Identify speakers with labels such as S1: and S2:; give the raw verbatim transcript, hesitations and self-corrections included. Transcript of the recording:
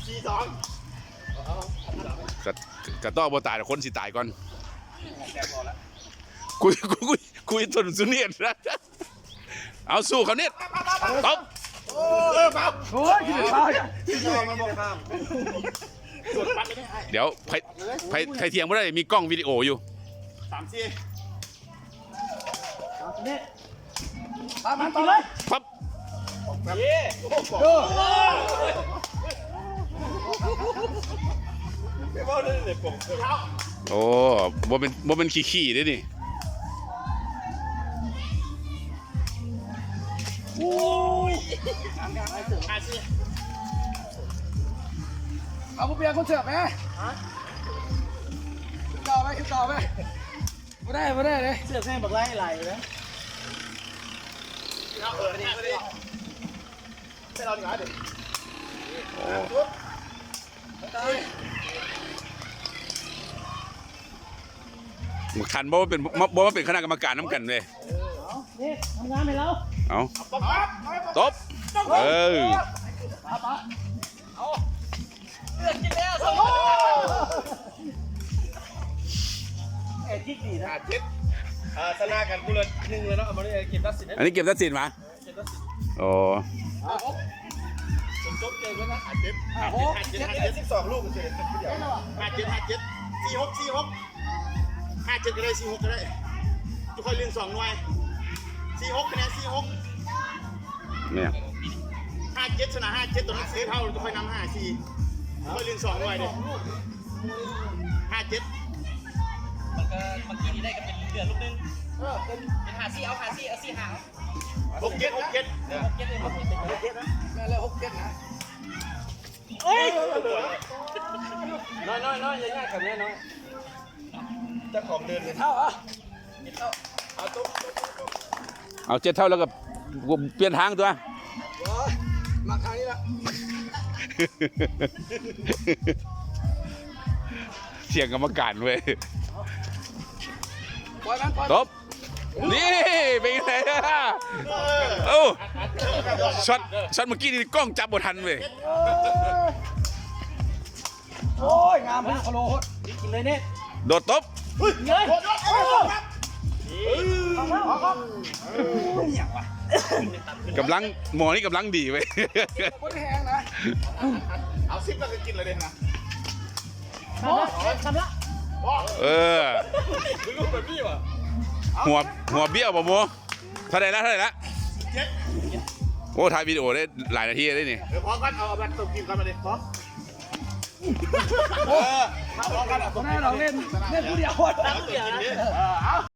S1: สี่สอง
S2: กะกะต้อบตายแต่คนสิตายก่อนคุยคุยคุยคุยทนสุเนียนนะเอาสู้เขาเนี่ยตบ
S1: โอ้ยปั๊บโอ้ยที่ไหนที่ยอมมันบอกข้ามกดปั๊บไม่ได้
S2: เดี๋ยวไผ่ไผ่ไผ่เทียงไม่ได้มีกล้องวิดีโออยู่
S1: สามสี่
S3: เนี่ยตามมันต่อเลย
S2: ปั๊บ
S1: เย้โอ้โหไม่ว่าเลยเลยผมเท้า
S2: โอ้บ่เป็นบ่เป็นขี้ขี้ด้วยนี่
S3: โอ้ยเอาผู้เปียกคนเสือกไหมขึ้นต่อไหมขึ้นต่อไหมไม่ได้ไม่ได้เลยเสือกแม่งบอกไล่ไหลเลย
S1: เอาเออนี่ไม่ได้ไม่เราหนีมาดิ
S2: ขันบ่ว่าเป็นบ่ว่าเป็นคณะกรรมการน้ำกันเลย
S3: นี่ทำงานให้เรา
S2: เอาตบเออ
S3: ป้าป้าเอาเลือกกินแล้วสมเอ็ดที่ดีนะ
S1: เจ็ดอ่าชนะกันกูเลยหนึ่งเลยเนาะเอามาเนี่ยเก็บตัดสิน
S2: อันนี้เก็บตัดสินมา
S1: เก็บตัดสิน
S2: โอ้
S1: จบจบเกมแล้วนะห้าเจ็ดห้าเจ็ดห้าเจ็ดสิบสองลูกเฉยๆเดียวห้าเจ็ดห้าเจ็ดสี่หกสี่หกห้าเจ็ดก็ได้สี่หกก็ได้ทุกคนเลี้ยงสองหน่วยสี่หกคะแนนสี่หก
S2: เนี่ย
S1: ห้าเจ็ดชนะห้าเจ็ดตัวนั้นเซฟเท่าทุกคนนำห้าสี่ทุกคนเลี้ยงสองหน่วยเลยห้าเจ็ด
S4: มันก็เมื่อกี้นี้ได้ก็เป็นเดือนลูกนึงเออเป็นเป็นหาซี่เอาหาซี่เอาซี่หา
S1: หกเจ็ดหกเจ็ด
S4: หกเจ็ดเลยหกเจ็ดหกเจ็ดนะ
S3: แม่เลยหกเจ็ดนะ
S4: เอ้ย
S1: น้อยน้อยน้อยยังง่ายกับแน่น้อยจะของเดินเลย
S3: เท่าอ่ะ
S1: เอาตุ๊ก
S2: เอาเจ็ดเท่าแล้วก็เปลี่ยนทางตัว
S3: มาคราวนี้ละ
S2: เสียงกรรมการเว้ย
S3: ปล่อยมันปล่อย
S2: ตบนี่เป็นไงล่ะโอ้ช็อตช็อตเมื่อกี้นี่กล้องจับบททันเว้ย
S3: โอ้ยงามพี่คโลโหดกินเลยเนี่ย
S2: โดดตบ
S3: เฮ้ยเอาแล้วเอาครับอย่างวะ
S2: กำลังหมอนี่กำลังดีเว้ย
S3: คนแหงนะ
S1: เอาซิปแล้วก็กินเลยเด่นนะ
S3: โอ้ทำละ
S2: เออ
S1: คือลูกแบบนี้วะ
S2: หัวหัวเบี้ยวป่ะโมเท่าไหร่ละเท่าไหร่ละ
S1: เจ็ด
S2: โอ้ถ่ายวิดีโอได้หลายนาทีได้นี่
S1: เดี๋ยวพอกันเอาแบบตบกินกันมาดิพอเออพอกันอ่ะ
S3: ตอนแรกเราเล่นเล่นผู้เดียว
S1: ตั้งเดียวนะ